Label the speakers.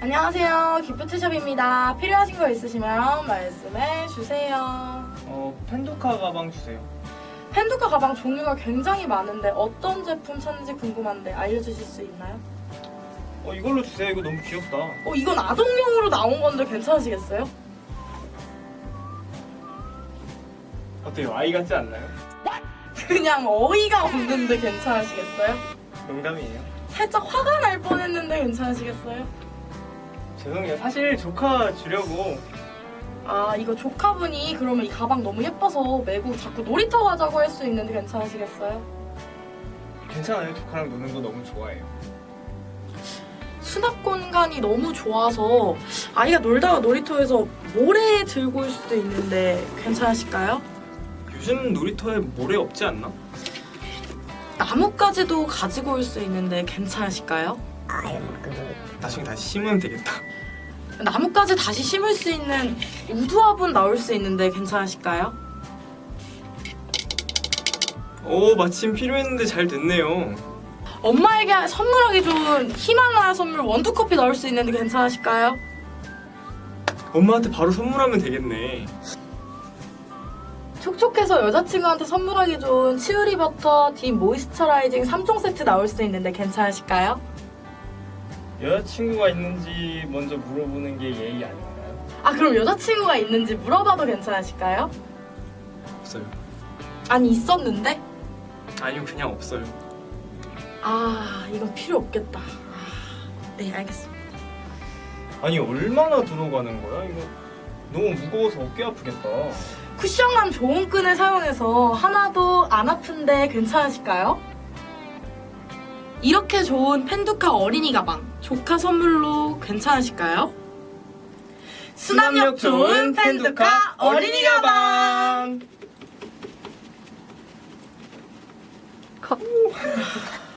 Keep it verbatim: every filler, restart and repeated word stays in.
Speaker 1: 안녕하세요. 기프트숍입니다. 필요하신 거 있으시면 말씀해 주세요.
Speaker 2: 어, 펜두카 가방 주세요.
Speaker 1: 펜두카 가방 종류가 굉장히 많은데 어떤 제품 찾는지 궁금한데 알려주실 수 있나요?
Speaker 2: 어, 이걸로 주세요. 이거 너무 귀엽다.
Speaker 1: 어, 이건 아동용으로 나온 건데 괜찮으시겠어요?
Speaker 2: 어때요? 아이 같지 않나요?
Speaker 1: 그냥 어이가 없는데 괜찮으시겠어요?
Speaker 2: 농담이에요.
Speaker 1: 살짝 화가 날 뻔했는데 괜찮으시겠어요?
Speaker 2: 죄송해요. 사실 조카 주려고.
Speaker 1: 아, 이거 조카분이 그러면 이 가방 너무 예뻐서 메고 자꾸 놀이터 가자고 할 수 있는데 괜찮으시겠어요?
Speaker 2: 괜찮아요. 조카랑 노는 거 너무 좋아해요.
Speaker 1: 수납 공간이 너무 좋아서 아이가 놀다가 놀이터에서 모래 들고 올 수도 있는데 괜찮으실까요?
Speaker 2: 요즘 놀이터에 모래 없지 않나?
Speaker 1: 나뭇가지도 가지고 올 수 있는데 괜찮으실까요?
Speaker 2: 나중에 다시 심으면 되겠다.
Speaker 1: 나뭇가지 다시 심을 수 있는 우두화분 나올 수 있는데 괜찮으실까요?
Speaker 2: 오, 마침 필요했는데 잘 됐네요.
Speaker 1: 엄마에게 선물하기 좋은 히말라야 선물 원두커피 나올 수 있는데 괜찮으실까요?
Speaker 2: 엄마한테 바로 선물하면 되겠네.
Speaker 1: 촉촉해서 여자친구한테 선물하기 좋은 치우리 버터 딥 모이스처라이징 삼 종 세트 나올 수 있는데 괜찮으실까요?
Speaker 2: 여자친구가 있는지 먼저 물어보는 게 예의 아닌가요?
Speaker 1: 아, 그럼 여자친구가 있는지 물어봐도 괜찮으실까요?
Speaker 2: 없어요.
Speaker 1: 아니, 있었는데?
Speaker 2: 아니요, 그냥 없어요.
Speaker 1: 아, 이건 필요 없겠다. 아, 네, 알겠습니다.
Speaker 2: 아니, 얼마나 들어가는 거야? 이거 너무 무거워서 어깨 아프겠다.
Speaker 1: 쿠션감 좋은 끈을 사용해서 하나도 안 아픈데 괜찮으실까요? 이렇게 좋은 펜두카 어린이 가방 조카 선물로 괜찮으실까요? 수납력 좋은 펜두카 어린이 가방. 컷.